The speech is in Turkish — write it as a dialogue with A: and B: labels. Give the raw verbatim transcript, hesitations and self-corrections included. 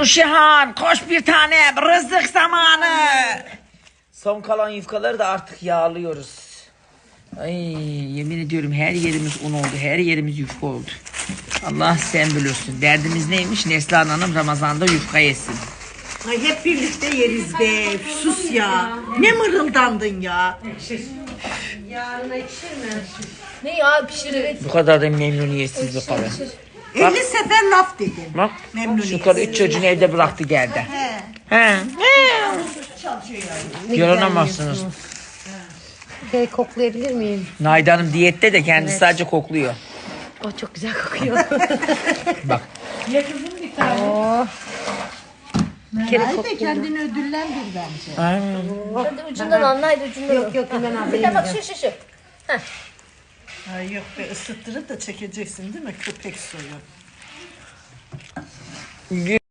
A: Nurşihan koş bir tane rızık zamanı. Son kalan yufkaları da artık yağlıyoruz. Ay yemin ediyorum her yerimiz un oldu. Her yerimiz yufka oldu. Allah sen bilirsin. Derdimiz neymiş? Neslihan Hanım Ramazan'da yufka yesin.
B: Ay hep birlikte yeriz be. Sus ya. Ne mırıldandın ya.
C: Yarına ekşir mi? Ne ya pişirir.
A: Bu kadar da memnuniyetsiz bir kadın.
B: elli sefer laf dedim.
A: Bak
B: Memnuniyetsiz.
A: şu karı üç çocuğunu evde bıraktı geldi.
B: He.
A: He. Yaranamazsınız.
C: Şey koklayabilir miyim?
A: Naide Hanım diyette de kendisi sadece kokluyor.
C: O çok güzel kokuyor.
A: Bak.
C: Oh. Bir kere
B: Hadi
C: kokluyor.
B: kendini ödüllendir bence.
A: Ay.
C: Hadi ucundan anlaydı ucundan. Yok yok hemen abi. Bir de bak şu şu şu.
B: Ay yok be ısıttırıp da çekeceksin değil mi köpek soyu?